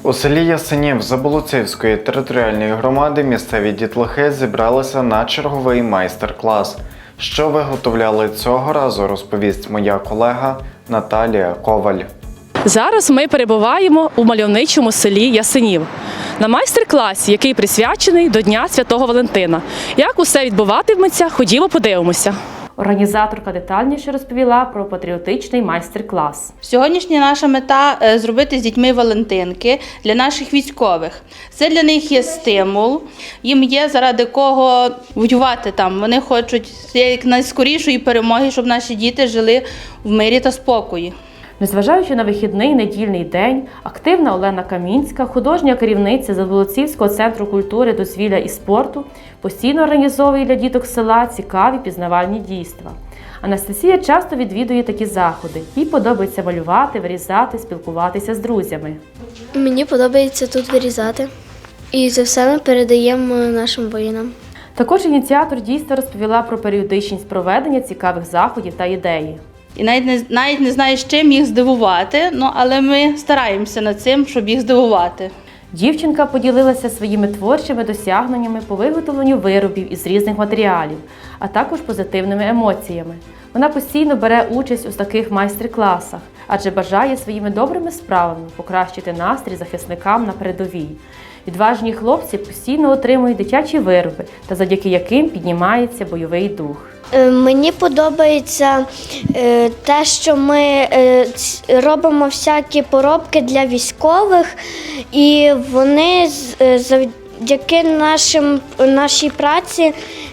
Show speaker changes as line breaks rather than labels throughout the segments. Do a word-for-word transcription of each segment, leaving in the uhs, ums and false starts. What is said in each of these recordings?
У селі Ясенів Заболоцівської територіальної громади місцеві дітлахи зібралися на черговий майстер-клас. Що виготовляли цього разу, розповість моя колега Наталія Коваль.
Зараз ми перебуваємо у мальовничому селі Ясенів на майстер-класі, який присвячений до Дня Святого Валентина. Як усе відбуватиметься, ходімо подивимося. Організаторка детальніше розповіла про патріотичний майстер-клас.
Сьогоднішня наша мета – зробити з дітьми валентинки для наших військових. Це для них є стимул, їм є заради кого воювати там. Вони хочуть як найскорішої перемоги, щоб наші діти жили в мирі та спокої.
Незважаючи на вихідний недільний день, активна Олена Камінська, художня керівниця Заболоцівського центру культури, дозвілля і спорту, постійно організовує для діток села цікаві пізнавальні дійства. Анастасія часто відвідує такі заходи. Їй подобається малювати, вирізати, спілкуватися з друзями.
Мені подобається тут вирізати. І це все ми передаємо нашим воїнам.
Також ініціатор дійства розповіла про періодичність проведення цікавих заходів та ідеї.
І навіть не, навіть не знаю, з чим їх здивувати, ну, але ми стараємося над цим, щоб їх здивувати.
Дівчинка поділилася своїми творчими досягненнями по виготовленню виробів із різних матеріалів, а також позитивними емоціями. Вона постійно бере участь у таких майстер-класах, адже бажає своїми добрими справами покращити настрій захисникам на передовій. Відважні хлопці постійно отримують дитячі вироби, та завдяки яким піднімається бойовий дух.
Мені подобається те, що ми робимо всякі поробки для військових, і вони завдяки нашим, нашій праці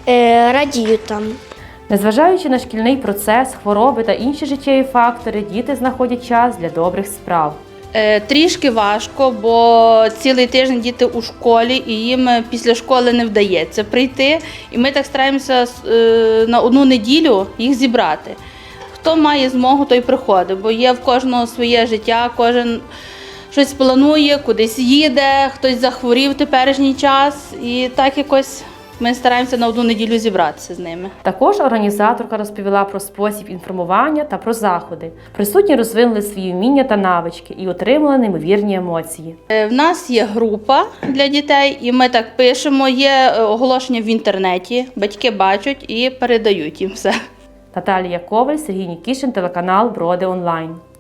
радіють там.
Незважаючи на шкільний процес, хвороби та інші життєві фактори, діти знаходять час для добрих справ.
Трішки важко, бо цілий тиждень діти у школі і їм після школи не вдається прийти. І ми так стараємося на одну неділю їх зібрати. Хто має змогу, той приходить, бо є в кожного своє життя, кожен щось планує, кудись їде, хтось захворів в теперішній час. І так якось ми стараємося на одну неділю зібратися з ними.
Також організаторка розповіла про спосіб інформування та про заходи. Присутні розвинули свої вміння та навички і отримали неймовірні емоції.
В нас є група для дітей, і ми так пишемо, є оголошення в інтернеті, батьки бачать і передають їм все.
Наталія Коваль, Сергій Нікішин, телеканал Броди онлайн.